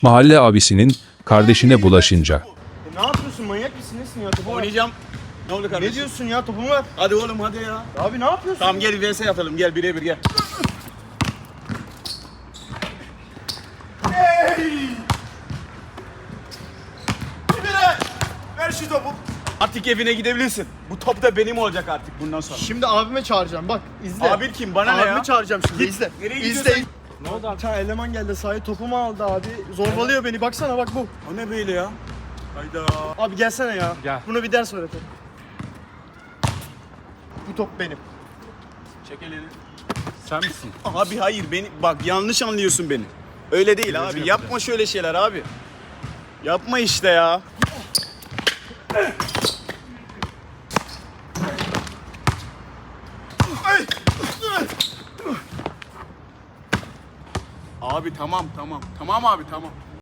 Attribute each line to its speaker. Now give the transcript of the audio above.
Speaker 1: Mahalle abisinin kardeşine bulaşınca.
Speaker 2: Ne yapıyorsun, manyak mısın nesin ya, topu ver.
Speaker 3: Oynayacağım. Ne oldu kardeşim?
Speaker 2: Ne diyorsun ya, topumu ver.
Speaker 3: Hadi oğlum hadi ya.
Speaker 2: Abi ne yapıyorsun?
Speaker 3: Tamam gel vs atalım gel birebir gel. Ver şu topu. Artık evine gidebilirsin. Bu top da benim olacak artık bundan sonra.
Speaker 2: Şimdi abime çağıracağım, bak izle.
Speaker 3: Abi kim? Bana ne ya?
Speaker 2: Abimi çağıracağım şimdi,
Speaker 3: Git.
Speaker 2: izle.
Speaker 3: Nereye
Speaker 2: İzle.
Speaker 3: gidiyorsun?
Speaker 2: Ne oldu abi? Bir tane eleman geldi sahaya, topumu aldı abi. Zorbalıyor beni, baksana bak bu.
Speaker 3: O ne böyle ya? Hayda.
Speaker 2: Abi gelsene ya.
Speaker 1: Gel.
Speaker 2: Bunu bir ders öğretelim. Bu top benim.
Speaker 3: Çek elini.
Speaker 1: Sen misin?
Speaker 3: Abi hayır beni bak yanlış anlıyorsun beni. Öyle değil abi. Yapma şöyle şeyler abi. Yapma işte ya. Abi tamam. Tamam abi tamam.